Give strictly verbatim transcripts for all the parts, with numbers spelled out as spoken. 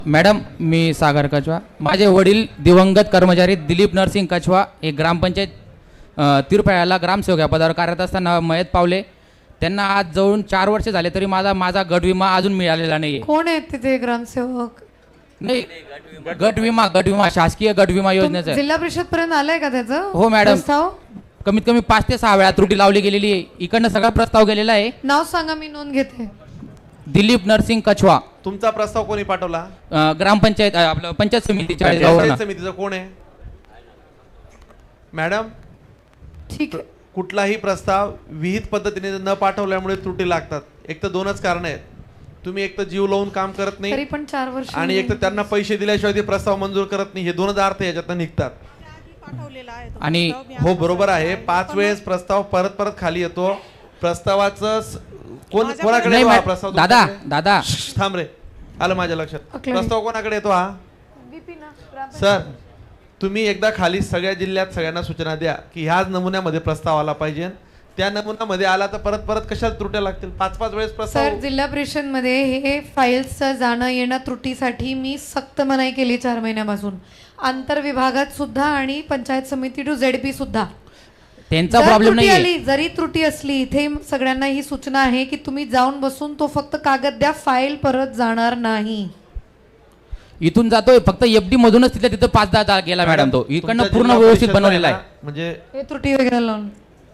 Madam मी सागर कछवा, माझे वडील दिवंगत कर्मचारी दिलीप नरसिंग कछवा हे ग्रामपंचायत तिरफळ्याला ग्रामसेवक या पदावर कार्यरत असताना मयत पावले. त्यांना आज जवळून चार वर्ष झाले तरी माझा माझा गट विमा अजून मिळालेला नाही. कोण आहेत तिथे ग्रामसेवक? नाही, गट विमा गट विमा शासकीय गट विमा योजनेचा जिल्हा परिषद पर्यंत आलंय का त्याचं? हो मॅडम, प्रस्ताव कमीत कमी पाच ते सहा वेळा त्रुटी लावली गेलेली आहे. इकडनं सगळा प्रस्ताव गेलेला आहे. नाव सांगा, मी नोंद घेते. दिलीप नरसिंग कछवा. तुमचा प्रस्ताव कोणी पाठवला? अ, ग्रामपंचायत अ, आपलं पंचायत समितीच्या पंचायत समितीचं कोण आहे मॅडम? ठीक आहे. कुठलाही प्रस्ताव विहित पद्धतीने न पाठवल्यामुळे त्रुटी लागतात. एक तर दोनच कारण आहेत. तुम्ही एक तर जीव लावून काम करत तरी नाही पण चार वर्ष आणि एक तर त्यांना पैसे दिल्याशिवाय ते प्रस्ताव मंजूर करत नाही. हे दोनच अर्थ याच्यातून निघतात. आणि हो बरोबर आहे, पाच वेळेस प्रस्ताव परत परत खाली येतो. प्रस्तावाचं स- कोण कोणाकडे नाही येतो हा मॅ- प्रस्ताव? दादा तुमच्याकडे? दादा श्श्श, थांब रे, आलं माझ्या लक्षात. ओके. प्रस्ताव कोणाकडे येतो हा? सर तुम्ही एकदा खाली सगळ्या जिल्ह्यात सगळ्यांना सूचना द्या की ह्याच नमुन्यामध्ये प्रस्ताव आला पाहिजे. त्या नमुन्यामध्ये आला तर परत परत कशाला त्रुट्या लागतील? पाच पाच वेळेस सर, प्रस्ताव. जिल्हा परिषद मध्ये हे फाईल्सचं जाणं येणं त्रुटीसाठी मी सक्त मनाई केली चार महिन्यापासून. आंतरविभागात सुद्धा आणि पंचायत समिती टू झेडपी सुद्धा. त्यांचा जर प्रॉब्लेम त्रुटी नाही आली, जरी त्रुटी असली, इथे सगळ्यांना ही सूचना आहे की तुम्ही जाऊन बसून तो फक्त कागद द्या, फाईल परत जाणार नाही. इथून जातोय फक्त एफडी मधूनच तिथे तिथं पाच दहा गेला मॅडम. तो इकडनं तुमच्या पूर्ण जिल्हा व्यवस्थित परिषदला बनवलेला आहे. ना, म्हणजे हे त्रुटी वगैरे लावून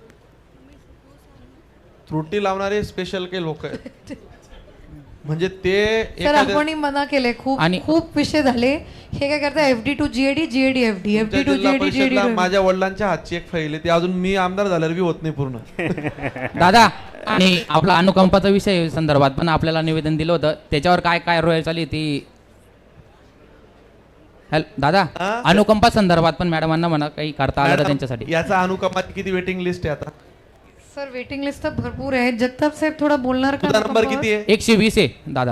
त्रुटी लावणारे स्पेशल काही लोक आहेत. म्हणजे ते सर एखाद्या- आपण मना केले खूप आणि- खूप विषय झाले. हे काय करता, FD to GAD, GAD FD, FD तुमच्या टू जिल्हा जीएडी, जीएडी परिषदला माझ्या वडिलांच्या हातची एक फाईल आहे, ती अजून मी आमदार झाल्यावर बी होत नाही पूर्ण. दादा आणि आपला अनुकंपाचा विषय संदर्भात पण आपल्याला निवेदन दिलं होतं. त्याच्यावर काय काय रोय चालली ती हॅलो दादा, हा? अनुकंपा संदर्भात पण मॅडमांना म्हणा काही करता आलं तर मॅडम, त्यांच्यासाठी. याचा अनुकंपाची किती वेटिंग लिस्ट आहे आता? सर वेटिंग लिस्ट तर भरपूर आहे. जगताप साहेब थोडा बोलणार का? तुझा नंबर किती आहे? एकशे वीस आहे दादा.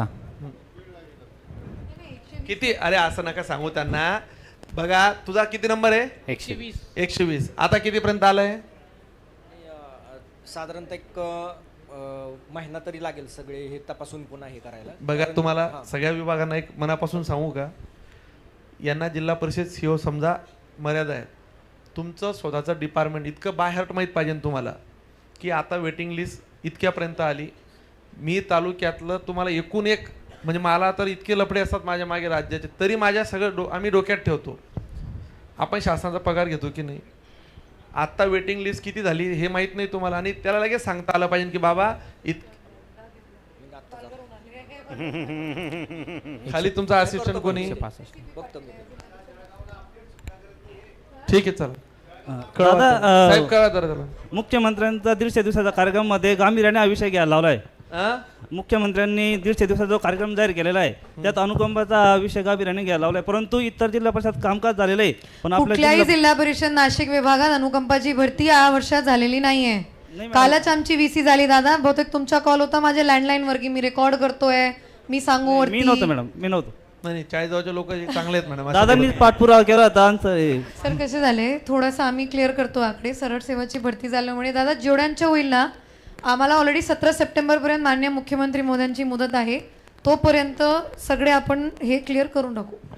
किती? अरे असं नका सांगू त्यांना. बघा तुझा किती नंबर आहे? एकशे वीस. एकशे वीस. आता कितीपर्यंत आलंय? साधारणतः एक अ, महिना तरी लागेल सगळे हे तपासून पुन्हा हे करायला. बघा कारण- तुम्हाला हां. सगळ्या विभागांना एक मनापासून सांगू का, यांना जिल्हा परिषद सीओ समजा मर्यादा आहे. तुमचं स्वतःचं डिपार्टमेंट इतकं बाय हार्ट माहीत पाहिजे तुम्हाला की आता वेटिंग लिस्ट इतक्यापर्यंत आली. मी तालुक्यातलं तुम्हाला एकूण एक म्हणजे मला तर इतके लफडे असतात माझ्या मागे राज्याचे, तरी माझ्या सगळं डो आम्ही डोक्यात ठेवतो. आपण शासनाचा पगार घेतो की नाही, आत्ता वेटिंग लिस्ट किती झाली हे माहीत नाही तुम्हाला आणि त्याला लगेच सांगता आलं पाहिजे की बाबा इत खाली तुमचा असिस्टंट कोणी? बघतो मी. ठीक आहे चला. दादा, अ, साहेब कळा जरा त्याला. मुख्यमंत्र्यांचा दीडशे दिवसाचा कार्यक्रमामध्ये गांभीर्याने हा विषय घ्यायला लावलाय. आ? मुख्यमंत्र्यांनी दीडशे दिवसाचा जो कार्यक्रम जाहीर केलेला आहे त्यात अनुकंपाचा हा विषय गांभीर्याने घ्यायला लावलाय. परंतु इतर जिल्हा परिषद कामकाज झालेलं आहे, पण आपल्या कुठल्याही जिल्हा- जिल्हा परिषद नाशिक विभागात अनुकंपाची भरती या वर्षात झालेली नाहीये. नाही मॅडम. कालच आमची व्हीसी झाली दादा. बहुतेक तुमचा कॉल होता माझ्या लँडलाईन वर की मी रेकॉर्ड करतोय, मी सांगू मी वरती. नव्हतो मॅडम, मी नव्हतो. नाही चाळीसगावचे लोक चांगले आहेत मॅडम. दादांनी पाठपुरावा केला होता आमचं हे. सर कसे झाले, थोडंसं आम्ही क्लिअर करतो आकडे. सरळ सेवाची भरती झाल्यामुळे दादा जेवढ्यांच्या होईल ना, आम्हाला ऑलरेडी सतरा सप्टेंबर पर्यंत माननीय मुख्यमंत्री मोदयांची मुदत आहे. तोपर्यंत सगळे आपण हे क्लिअर करून टाकू.